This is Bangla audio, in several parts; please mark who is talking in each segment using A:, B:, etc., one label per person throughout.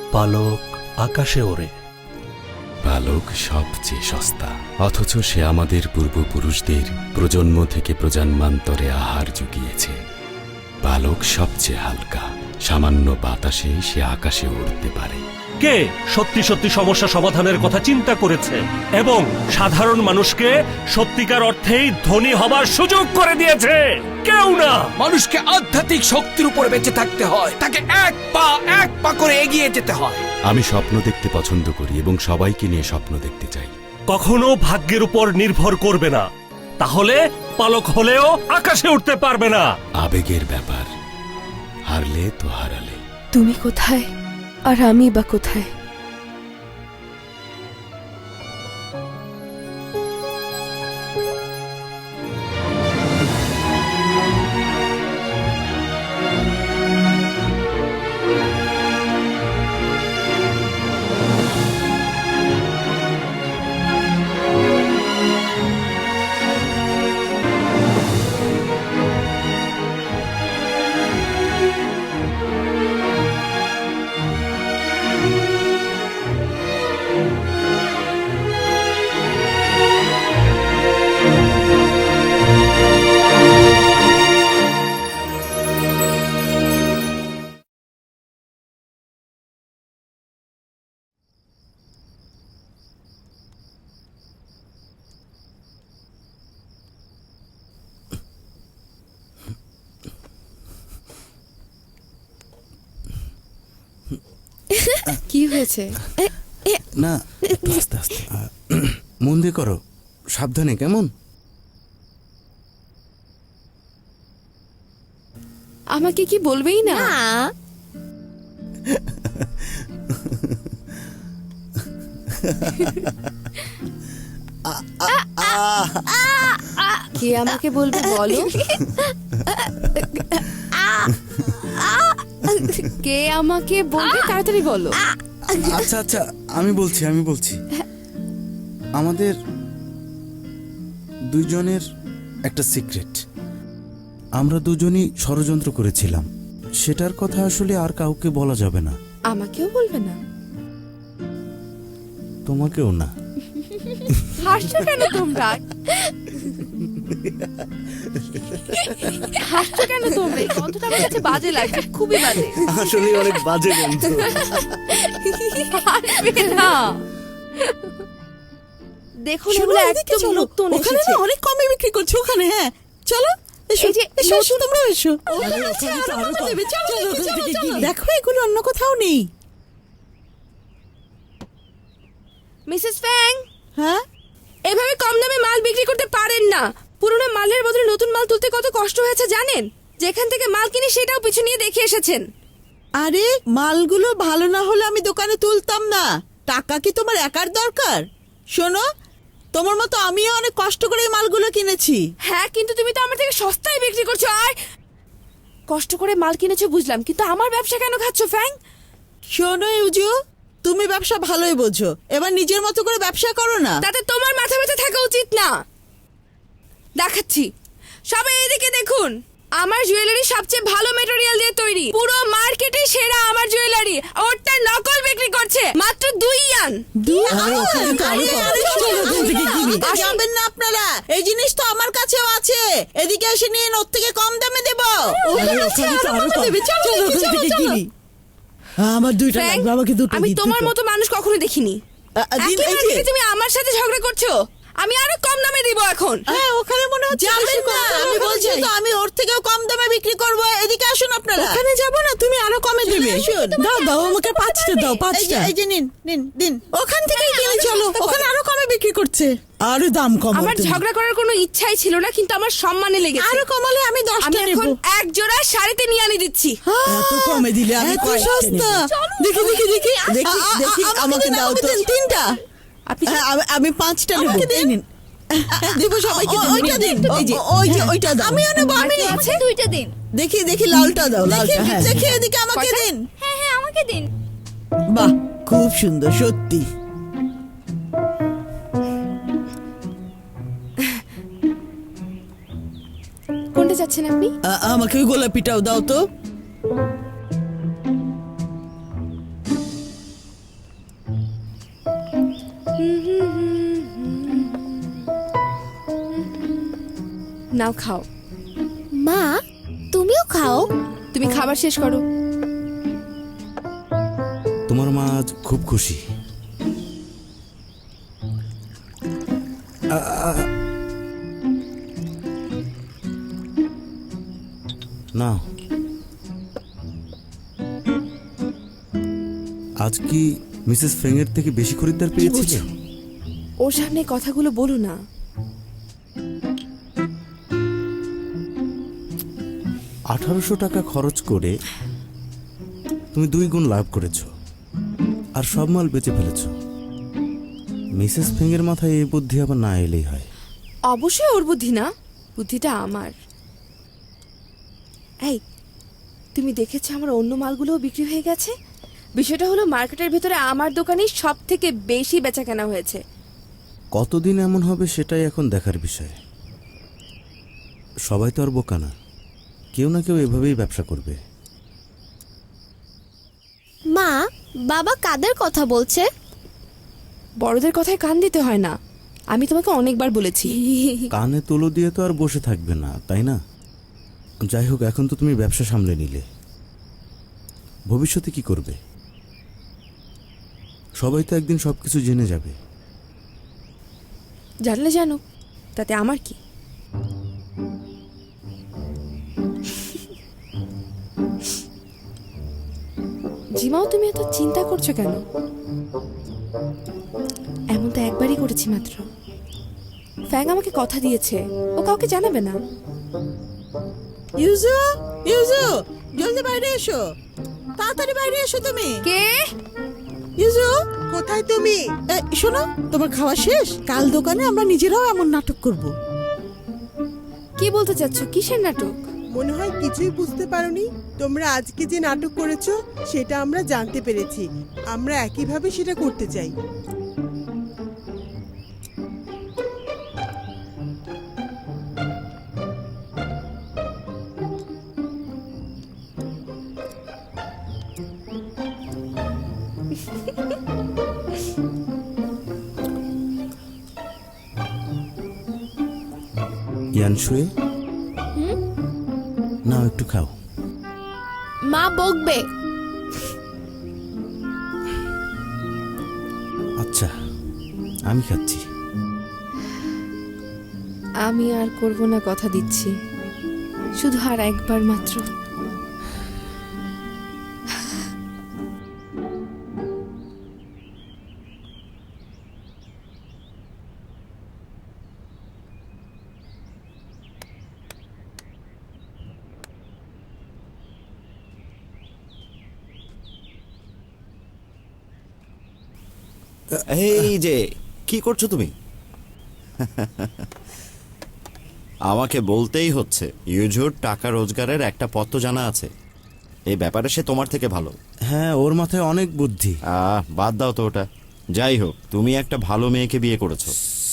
A: পালক আকাশে ওড়ে।
B: পালক সবচেয়ে সস্তা, অথচ সে আমাদের পূর্বপুরুষদের প্রজন্ম থেকে প্রজন্মান্তরে আহার জুগিয়েছে। পালক সবচেয়ে হালকা, সামান্য বাতাসে সে আকাশে উড়তে পারে।
A: কে সত্যি সত্যি সমস্যা সমাধানের কথা চিন্তা করেছে এবং সাধারণ মানুষকে সত্যিকার অর্থেই ধনী হবার সুযোগ করে দিয়েছে? কেউ না।
C: মানুষকে আধ্যাত্মিক শক্তির উপরে বেঁচে থাকতে হয়, তাকে এক পা করে এগিয়ে যেতে হয়।
B: আমি স্বপ্ন দেখতে পছন্দ করি এবং সবাইকে নিয়ে স্বপ্ন দেখতে চাই।
A: কখনো ভাগ্যের উপর নির্ভর করবে না, তাহলে পালক হলেও আকাশে উঠতে পারবে না।
B: আবেগের ব্যাপার, হারলে তো হারালে।
D: তুমি কোথায় আর আমি বা কোথায়? কি হয়েছে?
E: না, আস্তে আস্তে, মন দিয়ে করো, সাবধানে, কেমন?
D: আমাকে কি বলবেই না? কে আমাকে বলবে বলো? কে আমাকে বলবে, তাড়াতাড়ি বলো।
E: আচ্ছা আচ্ছা, আমি বলছি আমাদের দুজনের একটা সিক্রেট। আমরা দুজনই ষড়যন্ত্র করেছিলাম, সেটার কথা আসলে আর কাউকে বলা যাবে না।
D: আমাকেও বলবে না?
E: তোমাকেও না।
D: হাসছো কেন তোমরা? হাসছো কেন তোমরা? এই গন্ধটা আমার কাছে বাজে লাগছে, খুবই বাজে।
E: আসলে অনেক বাজে গন্ধ।
D: হাসবে না। দেখুন, এগুলো একদম নতুন এসেছে।
F: অনেক কমে বিক্রি করছে ওখানে। হ্যাঁ, চলো এসো, তোমরা এসো। দেখো, এগুলো অন্য কোথাও নেই।
D: মিসেস ফ্যাং,
F: হ্যাঁ,
D: এভাবে কম দামে মাল বিক্রি করতে পারেন না। পুরনো মালের বদলে নতুন মাল তুলতে কত কষ্ট হয়েছে জানেন? যেখান থেকে মাল কিনি সেটাও পিছু নিয়ে দেখে এসেছেন।
F: আরে মালগুলো ভালো না হলে আমি দোকানে তুলতাম না। টাকা কি তোমার একার দরকার? শোনো, তোমার মতো আমিও অনেক কষ্ট করে এই মালগুলো কিনেছি।
D: হ্যাঁ, কিন্তু তুমি তো আমার থেকে সস্তায় বিক্রি করছো। আর কষ্ট করে মাল কিনেছো বুঝলাম, কিন্তু আমার ব্যবসা কেন খাচ্ছ ফ্যাং?
F: শোনো ইউজু, তুমি ব্যবসা ভালোই বোঝো, এবার নিজের মতো করে ব্যবসা করো না।
D: তাতে তোমার মাথা ব্যথা থাকা উচিত না। দেখাচ্ছি, সবাই এদিকে দেখুন। আমার জুয়েলারি সবচেয়ে ভালো ম্যাটেরিয়াল দিয়ে তৈরি, পুরো মার্কেটে সেরা আমার জুয়েলারি। ওরটা নকল বিক্রি করছে মাত্র 2 ইয়ান।
F: যাবেন না আপনারা, এই জিনিস তো আমার কাছেও আছে। এদিকে এসে নিয়ে ওর থেকে কম দামে দেবো। আমার দুইটা
D: ফ্র্যাঙ্ক,
F: লাগবে, আমাকে দুটো
D: আমি
F: দিন,
D: তোমার
F: দুটো।
D: মতো মানুষ কখনো দেখিনি।
F: দিন,
D: একই
F: এই যে।
D: মার্কেটে তুমি আমার সাথে ঝগড়া করছো। আমি আরো কম দামে দিব এখন।
F: হ্যাঁ, ওখানে মনে হচ্ছে যাবেন না। আমি বলছি তো, আমি ওর থেকেও কম দামে বিক্রি করব। এদিকে আসুন আপনারা। ওখানে যাব না, তুমি আরো কমে দেবে। দাও আমাকে 5টা দাও, 5টা। এই যে নিন নিন দিন। ওখান থেকেই কিনে চলো, ওখানে আরো কমে বিক্রি করছে। আরো দাম কম।
D: আমার ঝগড়া করার কোনো ইচ্ছাই ছিল না, কিন্তু আমার সম্মানে লেগেছে।
F: আরো কমালে আমি 10টা নেব।
D: এখন এক জোড়া 3.5 ইয়ানি দিচ্ছি।
F: এত কমে দিলে আমি এত সস্তা। দেখি দেখি দেখি দেখি, আমাকে দাও তো 3টা। আমি 5টা নেব। এই নিন, দেব সবাইকে। ওইটা দিন, এই যে ওইটা দাও। আমিও নেব। আমি
D: আছে 2টা দিন।
F: দেখি দেখি, লালটা দাও, লালটা। হ্যাঁ, দেখি এদিকে আমাকে দিন।
D: হ্যাঁ হ্যাঁ, আমাকে দিন।
F: বাহ, খুব সুন্দর সত্যি।
D: কোনটা চাচ্ছেন আপনি?
F: আমাকে ওই গোলাপিটাও দাও তো।
D: নাও খাও।
G: মা তুমিও খাও।
D: তুমি খাবার শেষ করো।
E: তোমার মা আজ খুব খুশি। না, আজ কি মিসেস ফ্রেঙ্গের থেকে বেশি খরিদ্দার পেয়েছিলে?
D: বুঝছো? ওর সামনে কথাগুলো বলো না।
E: 1800 টাকা খরচ করে তুমি 2 গুণ লাভ করেছো, আর সব মাল বেচে ফেলেছো। মিসেস ফ্রেঙ্গের মাথায় এই বুদ্ধি আবার না এলেই হয়।
D: অবশ্যই ওর বুদ্ধি না, বুদ্ধিটা আমার। এই, তুমি দেখেছো আমার অন্য মালগুলোও বিক্রি হয়ে গেছে? বিষয়টা হলো মার্কেটের ভেতরে আমার দোকানেই সব থেকে বেশি বেচা কেনা হয়েছে।
E: কতদিন এমন হবে সেটাই এখন দেখার বিষয়। সবাই তো আর বোকা না, কেউ না কেউ এভাবেই ব্যবসা করবে।
G: মা বাবা কাদের কথা বলছে?
D: বড়দের কথায় কান দিতে হয় না, আমি তোমাকে অনেকবার বলেছি।
E: কানে তুলো দিয়ে তো আর বসে থাকবে না, তাই না? যাই হোক, এখন তো তুমি ব্যবসা সামলে নিলে, ভবিষ্যতে কি করবে? সবাই তো একদিন সবকিছু জেনে যাবে।
D: জানলে জানো, তাতে আমার কি? জিমাও, তুমি এত চিন্তা করছো কেন? এমন তো একবারই করেছি মাত্র। ফ্যাং আমাকে কথা দিয়েছে, ও কাউকে জানাবে না।
F: ইউজু, ইউজু, জলদি বাইরে এসো, তাড়াতাড়ি বাইরে এসো তুমি।
D: কে?
F: ইউজু, কোথায় তুমি? শোনো, তোমার খাওয়া শেষ? কাল দোকানে আমরা নিজেরাও এমন নাটক করব।
D: কি বলতে চাচ্ছ? কিসের নাটক?
H: মনে হয় কিছুই বুঝতে পারোনি। তোমরা আজকে যে নাটক করেছো সেটা আমরা জানতে পেরেছি। আমরা একইভাবে সেটা করতে চাই।
E: ইয়ানশুয়ে, নাও একটু খাও।
G: মা বকবে।
E: আচ্ছা, আমি খাচ্ছি।
D: আমি আর করব না, কথা দিচ্ছি। শুধু আর একবার মাত্র।
I: এই যে কি করছো তুমি? আমাকে বলতেই হচ্ছে, ইউজুর টাকা রোজগারের একটা পথ তো জানা আছে। এই ব্যাপারে সে তোমার থেকে ভালো।
E: হ্যাঁ, ওর মাথায় অনেক বুদ্ধি।
I: বাদ দাও তো ওটা। যাই হোক, তুমি একটা ভালো মেয়েকে বিয়ে করেছো।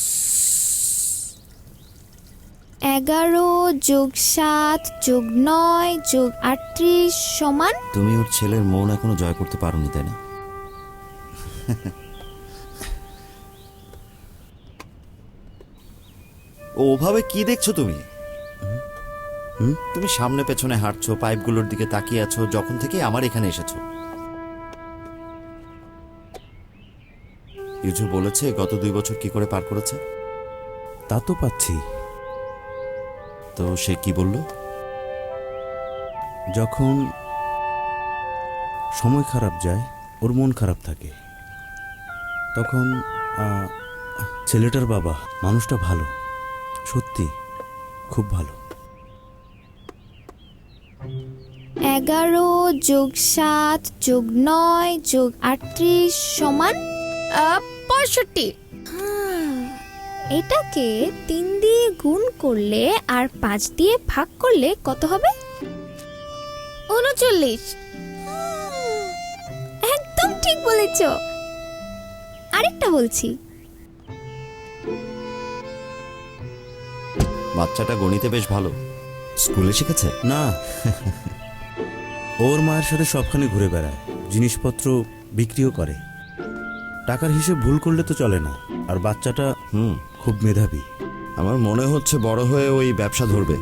G: 11 যোগ 7 যোগ 9 যোগ 38 সমান।
I: তুমি ওর ছেলের মন এখনো জয় করতে পারোনি, তাই না? ওভাবে কি দেখছো তুমি? তুমি সামনে পেছনে হাঁটছো, পাইপগুলোর দিকে তাকিয়ে আছো যখন থেকে আমার এখানে এসেছো। ইউজু বলেছে গত 2 বছর কি করে পার করেছে।
E: তা তো পাচ্ছি।
I: তো সে কি বলল?
E: যখন সময় খারাপ যায়, ওর মন খারাপ থাকে, তখন ছেলেটার বাবা, মানুষটা ভালো, সত্যি খুব ভালো।
G: 11 যোগ 7 যোগ 9 যোগ 38 সমান 65। এটাকে 3 দিয়ে গুণ করলে আর 5 দিয়ে ভাগ করলে কত হবে? 39। একদম ঠিক বলেছ। আরেকটা বলছি।
I: বাচ্চাটা গণিতে বেশ ভালো, স্কুলে শিখেছে?
E: না, ওর মায়ের সাথে সবখানে ঘুরে বেড়ায়, জিনিসপত্র বিক্রিও করে। টাকার হিসেব ভুল করলে তো চলে না। আর বাচ্চাটা খুব মেধাবী।
I: আমার মনে হচ্ছে বড় হয়ে ওই ব্যবসা ধরবে।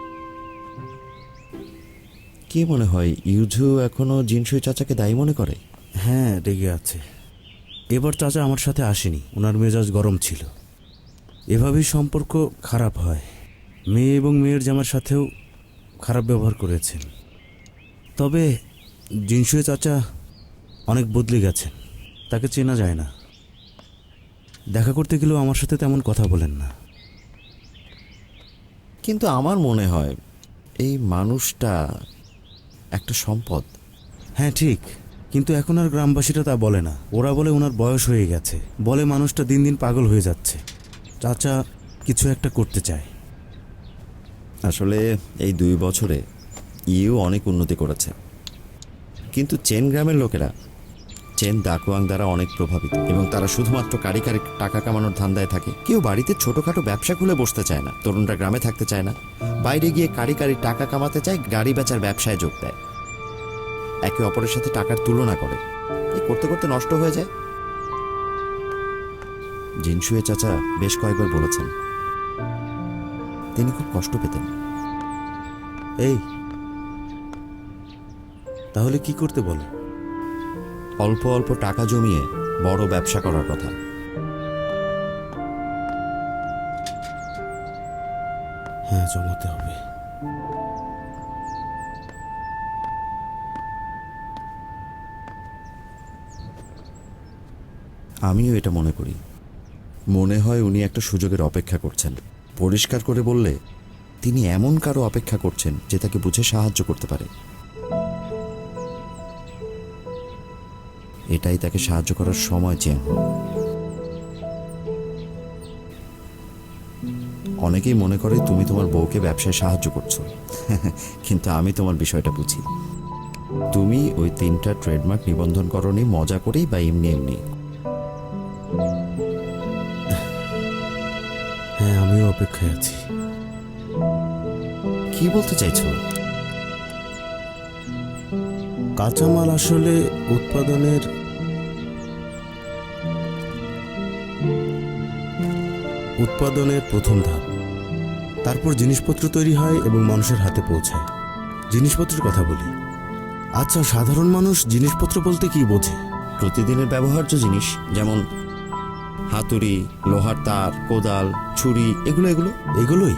I: কি মনে হয় ইউজু এখনো জিনসুই চাচাকে দায়ী মনে করে?
E: হ্যাঁ, রেগে আছে। এবার চাচা আমার সাথে আসেনি, ওনার মেজাজ গরম ছিল। এভাবেই সম্পর্ক খারাপ হয়। মেয়ে এবং মেয়ের জামার সাথেও খারাপ ব্যবহার করেছেন। তবে জিনসুয়ে চাচা অনেক বদলে গেছেন, তাকে চেনা যায় না। দেখা করতে গেলেও আমার সাথে তেমন কথা বলেন না।
I: কিন্তু আমার মনে হয় এই মানুষটা একটা সম্পদ।
E: হ্যাঁ ঠিক, কিন্তু এখন আর গ্রামবাসীরা তা বলে না। ওরা বলে ওনার বয়স হয়ে গেছে, বলে মানুষটা দিন দিন পাগল হয়ে যাচ্ছে। চাচা কিছু একটা করতে চায়।
I: আসলে এই 2 বছরে ইউ অনেক উন্নতি করেছে, কিন্তু চেন গ্রামের লোকেরা চেন দাকুয়াং দ্বারা অনেক প্রভাবিত এবং তারা শুধুমাত্র কারি টাকা কামানোর ধান্দায় থাকে। কেউ বাড়িতে ছোটখাটো ব্যবসা খুলে বসতে চায় না, তরুণরা গ্রামে থাকতে চায় না, বাইরে গিয়ে কারি টাকা কামাতে চায়, গাড়ি বেচার ব্যবসায় যোগ দেয়, একে অপরের সাথে টাকার তুলনা করে। এই করতে করতে নষ্ট হয়ে যায়। জিনসুয়ে চাচা বেশ কয়েকবার বলেছেন তিনি খুব কষ্ট পেতেন।
E: এই তাহলে কি করতে বলে?
I: অল্প অল্প টাকা জমিয়ে বড় ব্যবসা করার কথা।
E: হ্যাঁ, জমাতে হবে।
I: আমিও এটা মনে করি। মনে হয় উনি একটা সুযোগের অপেক্ষা করছেন। পরিষ্কার করে বললে তিনি এমন কারো অপেক্ষা করছেন যে তাকে বুঝে সাহায্য করতে পারে। এটাই তাকে সাহায্য করার সময় চেন। অনেকেই মনে করে তুমি তোমার বউকে ব্যবসায় সাহায্য করছো, কিন্তু আমি তোমার বিষয়টা বুঝি। তুমি ওই 3টা ট্রেডমার্ক নিবন্ধন করনি মজা করেই বা এমনি এমনি।
E: হ্যাঁ, আমিও অপেক্ষায় আছি।
I: কি বলতে চাইছো?
E: কাঁচামাল আসলে উৎপাদনের প্রথম ধাপ। তারপর জিনিসপত্র তৈরি হয় এবং মানুষের হাতে পৌঁছায়। জিনিসপত্রের কথা বলি। আচ্ছা, সাধারণ মানুষ জিনিসপত্র বলতে কি বোঝে?
I: প্রতিদিনের ব্যবহার্য জিনিস, যেমন হাতুড়ি, লোহার তার, কোদাল, ছুরি, এগুলোই।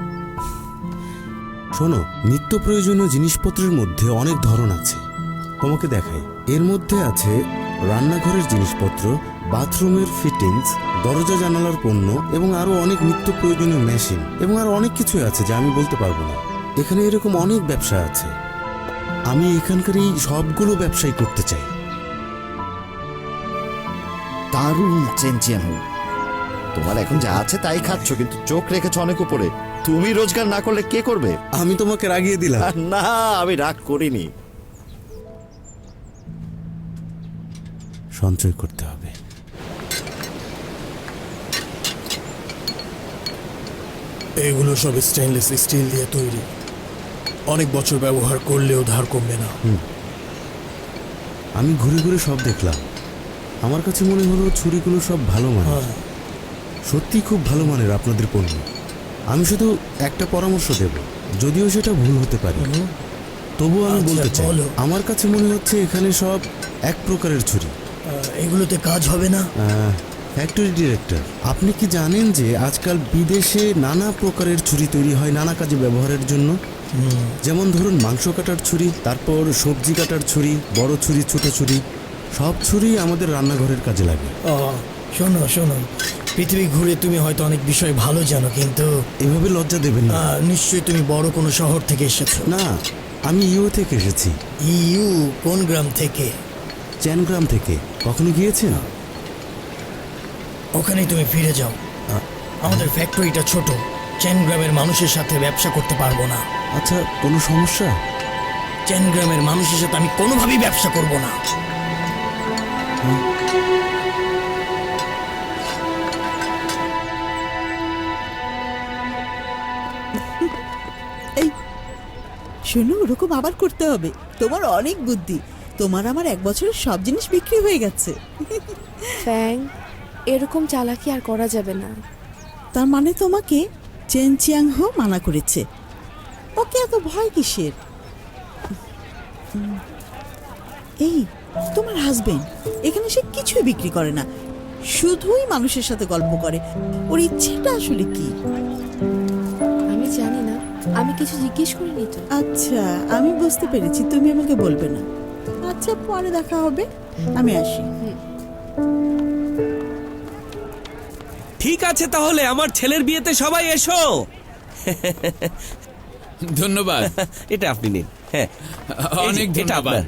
E: শোনো, নিত্য প্রয়োজনীয় জিনিসপত্রের মধ্যে অনেক ধরন আছে। তোমাকে দেখাই। এর মধ্যে আছে রান্নাঘরের জিনিসপত্র, বাথরুমের ফিটিংস, দরজা জানালার পণ্য এবং আরো অনেক নিত্য প্রয়োজনীয় মেশিন এবং আরো অনেক কিছু আছে যা আমি বলতে পারবো না। এখানে এরকম অনেক ব্যবসা আছে। আমি এখানকার এই সবগুলো ব্যবসাই করতে চাই।
I: দারুণ চেনচিয়ান হোক। তোমার এখন যা আছে তাই খাচ্ছ, কিন্তু চোখ রেখেছ অনেক উপরে। তুমি রোজগার না করলে কে করবে?
E: আমি তোমাকে রাগিয়ে দিলাম।
I: না, আমি রাগ করিনি।
E: সঞ্চয় করতে হবে।
J: এগুলো সব স্টেনলেস স্টিল দিয়ে তৈরি, অনেক বছর ব্যবহার করলেও ধার কমবে না।
E: আমি ঘুরে ঘুরে সব দেখলাম। আমার কাছে মনে হলো ছুরিগুলো সব ভালো মানের। সত্যি খুব ভালো মানের আপনাদের পণ্য। আমি শুধু একটা পরামর্শ দেব, যদিও সেটা ভুল হতে পারে, তবুও আমি বলতে চাই আমার কাছে মনে হচ্ছে এখানে সব এক প্রকারের ছুরি।
J: এগুলোতে কাজ হবে না?
E: ফ্যাক্টরি ডিরেক্টর, আপনি কি জানেন যে আজকাল বিদেশে নানা প্রকারের ছুরি তৈরি হয় নানা কাজে ব্যবহারের জন্য? যেমন ধরুন মাংস কাটার ছুরি, তারপর সবজি কাটার ছুরি, বড় ছুরি, ছোট ছুরি, সব ছুরি আমাদের রান্নাঘরের কাজে লাগে।
J: শোনো শোনো, পৃথিবী ঘুরে তুমি হয়তো অনেক বিষয় ভালো জানো, কিন্তু
E: এভাবে লজ্জা দেবেন না।
J: নিশ্চয়ই তুমি বড় কোনো শহর থেকে এসেছো।
E: না, আমি ইউ থেকে এসেছি।
J: ইউ? কোন গ্রাম থেকে?
E: চ্যানগ্রাম থেকে। কখনো গিয়েছেন?
J: ওখানেই তুমি ফিরে যাও। আমাদের ফ্যাক্টরিটা ছোট, চেন গ্রামের মানুষের সাথে ব্যবসা করতে পারবো না।
E: আচ্ছা, কোনো সমস্যা?
J: চেন গ্রামের মানুষের সাথে আমি কোনোভাবেই ব্যবসা করব না।
F: এই শোনো, ওরকম আবার করতে হবে। তোমার অনেক বুদ্ধি। তোমার আমার 1 বছরের সব জিনিস বিক্রি হয়ে গেছে।
D: ফ্যাং, এরকম চালাকি আর করা যাবে না।
F: তার মানে তোমাকে চেন চিয়াং হো মানা করেছে? ওকে এত ভয় কিসের? এই তোমার হাজবেন্ড, এখানে সে কিছুই বিক্রি করে না, শুধুই মানুষের সাথে গল্প করে। ওর ইচ্ছেটা আসলে কি?
D: আমি জানি না, আমি কিছু জিজ্ঞেস করিনি তো।
F: আচ্ছা, আমি বুঝতে পেরেছি, তুমি আমাকে বলবে না। আচ্ছা, পরে দেখা হবে, আমি আসি।
C: ঠিক আছে, তাহলে আমার ছেলের বিয়েতে সবাই এসো।
K: ধন্যবাদ।
C: এটা আপনি নিন। হ্যাঁ,
K: অনেক ধন্যবাদ।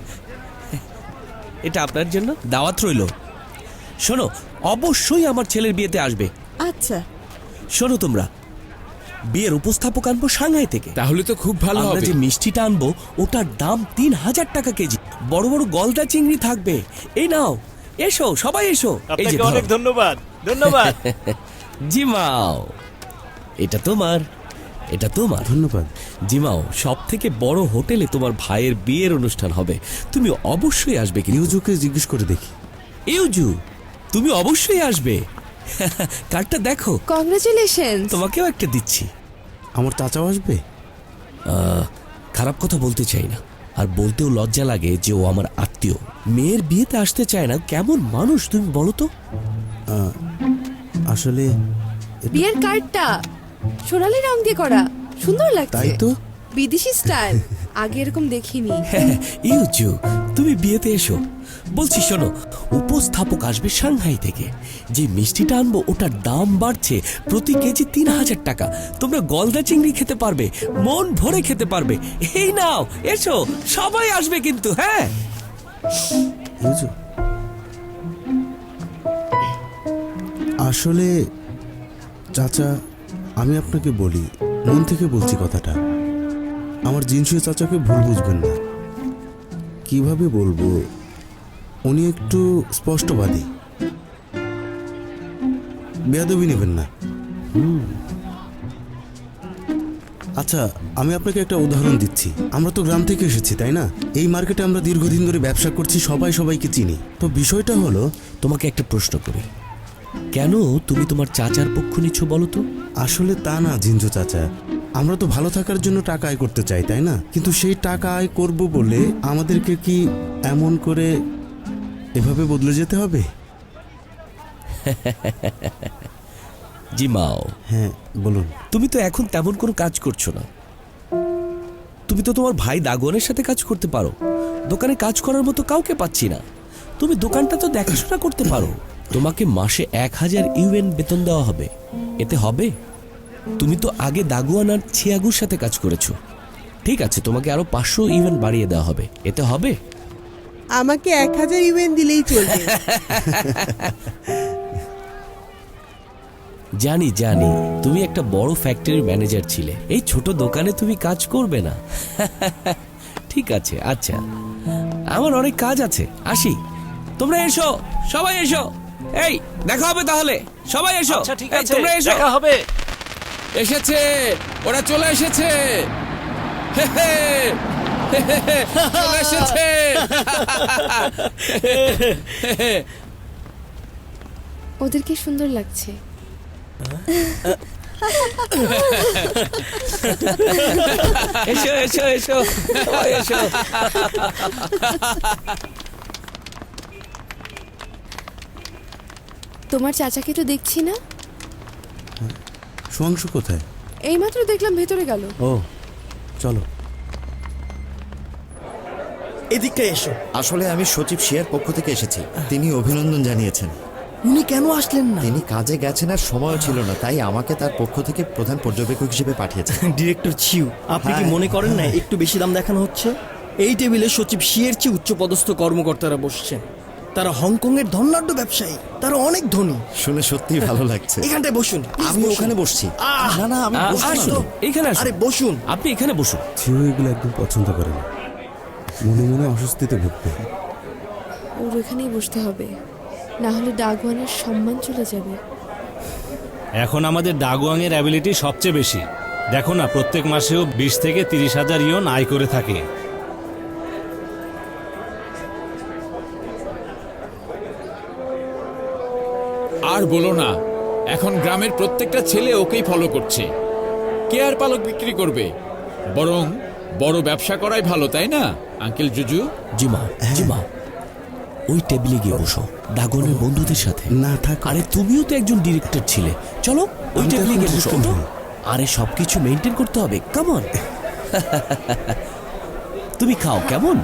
C: এটা আপনার জন্য দাওয়াত রইল। শোনো, অবশ্যই আমার ছেলের বিয়েতে আসবে।
F: আচ্ছা,
C: শোনো তোমরা, বিয়ের উপস্থাপক আনবো সাংহাই থেকে।
K: তাহলে তো খুব ভালো
C: আমরা
K: হবে।
C: যে মিষ্টিটা আনবো ওটার দাম 3000 টাকা কেজি। বড় বড় গলদা চিংড়ি থাকবে। এই নাও, এসো সবাই এসো। এই যে
A: অনেক ধন্যবাদ। ধন্যবাদ।
C: জিমাও, এটা তোমার, এটা তোমার।
E: ধন্যবাদ।
C: জিমাও, সব থেকে বড় হোটেলে তোমার ভাইয়ের বিয়ের অনুষ্ঠান হবে, তুমি অবশ্যই আসবে। কি
E: ইউজুকে জিজ্ঞেস করে দেখি।
C: ইউজু, তুমি অবশ্যই আসবে। কার্ডটা দেখো।
D: কংগ্রেচুলেশন।
C: তোমাকেও একটা দিচ্ছি।
E: আমার চাচাও আসবে?
C: খারাপ কথা বলতে চাই না, আর বলতেও লজ্জা লাগে যে ও আমার আত্মীয়। মেয়ের বিয়েতে আসতে চায় না, কেমন মানুষ তুমি বলো তো?
E: আসলে
D: বিয়ের কার্ডটা সোনালী রং দিয়ে করা, সুন্দর লাগছে।
E: তাই তো,
D: বিদেশি স্টাইল, আগে এরকম দেখিনি।
C: ইউজু, তুমি বিয়েতে এসো। বলছি শোনো, উপস্থাপক আসবে সাংহাই থেকে। যে মিষ্টিটা আনবো ওটার দাম বাড়ছে প্রতি কেজি 3000 টাকা। তোমরা গলদা চিংড়ি খেতে পারবে, মন ভরে খেতে পারবে। এই নাও, এসো, সবাই আসবে কিন্তু। হ্যাঁ,
E: ইউজু, আসলে চাচা, আমি আপনাকে বলি, মন থেকে বলছি কথাটা। আমার জিনসুয়ে চাচাকে ভুল বুঝবেন না। কিভাবে বলবো, উনি একটু স্পষ্টবাদী, বেয়াদবি নেবেন না। আচ্ছা, আমি আপনাকে একটা উদাহরণ দিচ্ছি। আমরা তো গ্রাম থেকে এসেছি, তাই না? এই মার্কেটে আমরা দীর্ঘদিন ধরে ব্যবসা করছি, সবাই সবাইকে চিনি। তো বিষয়টা হলো,
C: তোমাকে একটা প্রশ্ন করি, কেন তুমি তোমার চাচার পক্ষ নিচ্ছ বলো তো?
E: আসলে তা না জিনজো চাচা, আমরা তো ভালো থাকার জন্য টাকা আয় করতে চাই, তাই না? কিন্তু সেই টাকা আয় করব বলে আমাদেরকে কি এমন করে এভাবে বদলে যেতে হবে?
C: জিমাও,
E: হ্যাঁ বলুন।
C: তুমি তো এখন তেমন কোনো কাজ করছো না। তুমি তো তোমার ভাই দাগনের সাথে কাজ করতে পারো। দোকানে কাজ করার মতো কাউকে পাচ্ছি না। তুমি দোকানটা তো দেখাশোনা করতে পারো। তোমাকে মাসে 1000 ইউএন বেতন দেওয়া হবে, এতে হবে? তুমি তো আগে দাগুয়ান আর ছিয়াগুর সাথে কাজ করেছো। ঠিক আছে, তোমাকে আরো 500 ইউএন বাড়িয়ে দেওয়া হবে, এতে হবে?
H: আমাকে 1000 ইউএন দিলেই চলবে।
C: জানি জানি, তুমি একটা বড় ফ্যাক্টরির ম্যানেজার ছিলে, এই ছোট দোকানে তুমি কাজ করবে না। ঠিক আছে, আচ্ছা, আমার অনেক কাজ আছে, আসি। তোমরা এসো, সবাই এসো। এই দেখা হবে তাহলে, সবাই এসো।
A: ঠিক
C: এই,
A: আছে,
C: তোমরা এসো।
A: দেখা হবে।
K: এসেছে, ওরা চলে এসেছে। হে হে, হে হে হে, চলে এসেছে।
D: ওদেরকে সুন্দর লাগছে।
C: এসো এসো এসো, সবাই এসো।
D: তোমার চাচাকে তো দেখছি না।
E: সুয়াংশু কোথায়?
D: এইমাত্র দেখলাম ভেতরে গেল।
E: ও, চলো।
I: এদিকে এসো। আসলে আমি সচিব শিয়ার পক্ষ থেকে এসেছি, তিনি অভিনন্দন জানিয়েছেন।
F: উনি কেন আসলেন না?
I: তিনি কাজে গেছেন আর সময় ছিল না, তাই আমাকে তার পক্ষ থেকে প্রধান পর্যবেক্ষক হিসেবে পাঠিয়েছেন।
L: ডিরেক্টর চিউ, আপনি কি মনে করেন না একটু বেশি দাম দেখানো হচ্ছে? এই টেবিলে সচিব শিয়ের চেয়ে উচ্চপদস্থ কর্মকর্তারা বসছেন। তারা হংকং এর ধনাঢ্য ব্যবসায়ী, তারা অনেক ধনী।
I: শুনে সত্যিই ভালো লাগছে।
L: এখানটায় বসুন।
I: আমি ওখানে বসছি। না না, আমি বসছি
C: আসুন,
I: তো।
C: এখানে আসুন।
L: আরে বসুন।
C: আপনি এখানে বসুন।
E: ছিও এগুলো একদম পছন্দ করে না, মনে মনে অস্বস্তিতে ভুগবে।
D: ওর এখানেই বসতে হবে, না হলে ডাগওয়ানের সম্মান চলে যাবে।
A: এখন আমাদের ডাগুয়াংয়ের অ্যাবিলিটি সবচেয়ে বেশি। দেখো না, প্রত্যেক মাসেও 20 থেকে 30 হাজার ইয়ন আয় করে থাকে।
K: আর বলো না, এখন গ্রামের প্রত্যেকটা ছেলে ওকেই ফলো করছে। কে আর পালক বিক্রি করবে? বরং বড় ব্যবসা করাই ভালো, তাই না আঙ্কেল জুজু?
C: জিমা জিমা, ওই টেবিলে গিয়ে বসো দাগনের বন্ধুদের সাথে।
E: না থাক।
C: আরে তুমিও তো একজন ডিরেক্টর ছিলে, চলো ওই
E: আমি তো
C: টেবিলে
E: এখন
C: গিয়ে বসো।
E: director নই।
C: আরে সবকিছু মেনটেন করতে হবে, কেমন? তুমি খাও, কেমন?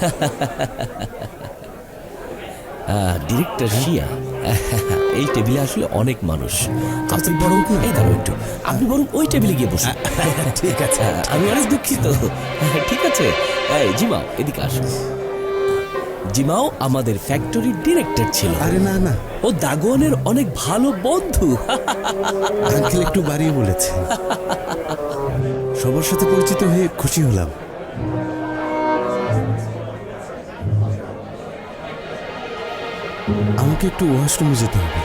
C: ডিরেক্টর শিয়া, এই টেবিলে আসলে অনেক মানুষ। আপনি বরং এই দাঁড়ো একটু, আপনি বরং ওই টেবিলে গিয়ে বসুন। ঠিক আছে, আমি অনেক দুঃখিত। ঠিক আছে, এই জিমাও এদিকে আসো। জিমাও আমাদের ফ্যাক্টরির ডিরেক্টর ছিল।
E: আরে না না,
C: ও দাগনের অনেক ভালো বন্ধু।
E: আঙ্কেল একটু বাড়িয়ে বলেছে। সবার সাথে পরিচিত হয়ে খুশি হলাম। আমাকে একটু ওয়াশরুমে যেতে হবে।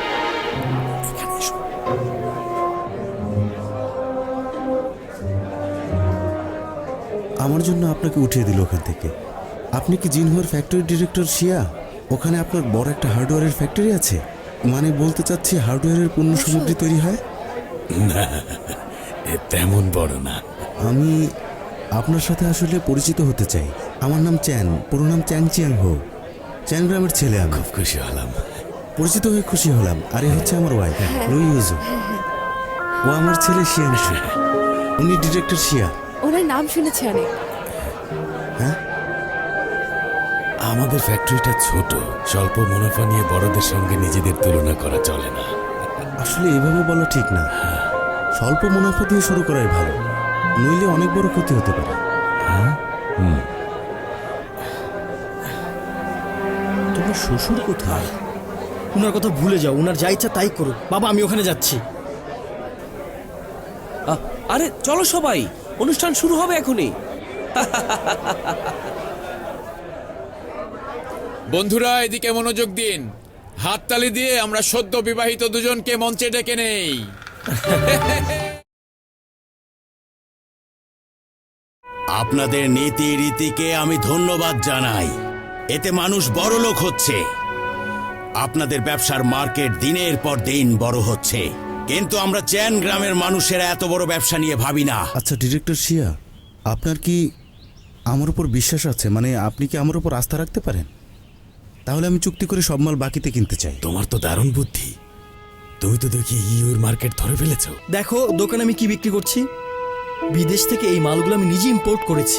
E: আমার জন্য আপনাকে উঠিয়ে দিল ওখান থেকে। আপনি কি জিনহুয়ার ফ্যাক্টরি ডিরেক্টর শিয়া? ওখানে আপনার বড় একটা হার্ডওয়্যারের ফ্যাক্টরি আছে? মানে বলতে চাচ্ছি হার্ডওয়্যারের পণ্য সামগ্রী তৈরি হয়?
B: না, তেমন বড় না।
E: আমি আপনার সাথে আসলে পরিচিত হতে চাই। আমার নাম চ্যান, পুরো নাম চ্যাং চিয়াং হো। চ্যান গ্রামের ছেলে আমি।
B: খুব খুশি হলাম।
E: পরিচিত হয়ে খুশি হলাম। আর এ হচ্ছে আমার ওয়াইফ লুই ইউজু। ও আমার ছেলে শিয়াংশু। উনি ডিরেক্টর শিয়া।
D: ওনার নাম শুনেছি অনেক।
E: হ্যাঁ,
B: আমাদের ফ্যাক্টরিটা ছোট, স্বল্প মুনাফা নিয়ে বড়দের সঙ্গে নিজেদের তুলনা করা চলে না।
E: আসলে এভাবে বলা ঠিক না। স্বল্প মুনাফা দিয়ে শুরু করাই ভালো, নইলে অনেক বড় ক্ষতি হতে পারে।
L: তোমার শ্বশুর কোথায়? উনার কথা ভুলে যাও, উনার যা ইচ্ছা তাই করুক। বাবা, আমি ওখানে যাচ্ছি।
C: আরে চলো সবাই, অনুষ্ঠান শুরু হবে এখনই।
K: বন্ধুরা, এদিকে মনোযোগ দিন। হাততালি দিয়ে আমরা সদ্য বিবাহিত দুজনকে মঞ্চে ডেকে নেই।
B: আপনাদের নীতি রীতিকে আমি ধন্যবাদ জানাই। এতে মানুষ বড়লোক হচ্ছে। আপনাদের ব্যবসার মার্কেট দিনের পর দিন বড় হচ্ছে, কিন্তু আমরা চ্যান গ্রামের মানুষেরা এত বড় ব্যবসা নিয়ে ভাবি না।
E: আচ্ছা ডিরেক্টর শিয়া, আপনার কি আমার উপর বিশ্বাস আছে? মানে আপনি কি আমার উপর আস্থা রাখতে পারেন? তাহলে আমি চুক্তি করে সব মাল বাকিতে কিনতে চাই।
B: তোমার তো দারুণ বুদ্ধি। তুমি তো দেখি ইউর মার্কেট ধরে ফেলেছো।
L: দেখো দোকানে আমি কি বিক্রি করছি। বিদেশ থেকে এই মালগুলো আমি নিজে ইম্পোর্ট করেছি।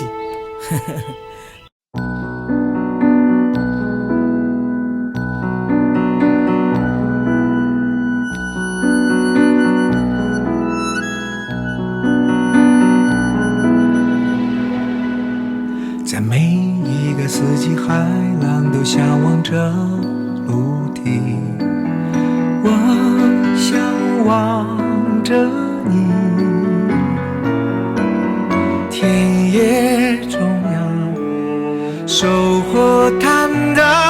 M: 在每一个四季，海浪都向往着陆地。我向往着你，田野中央，收获坦荡。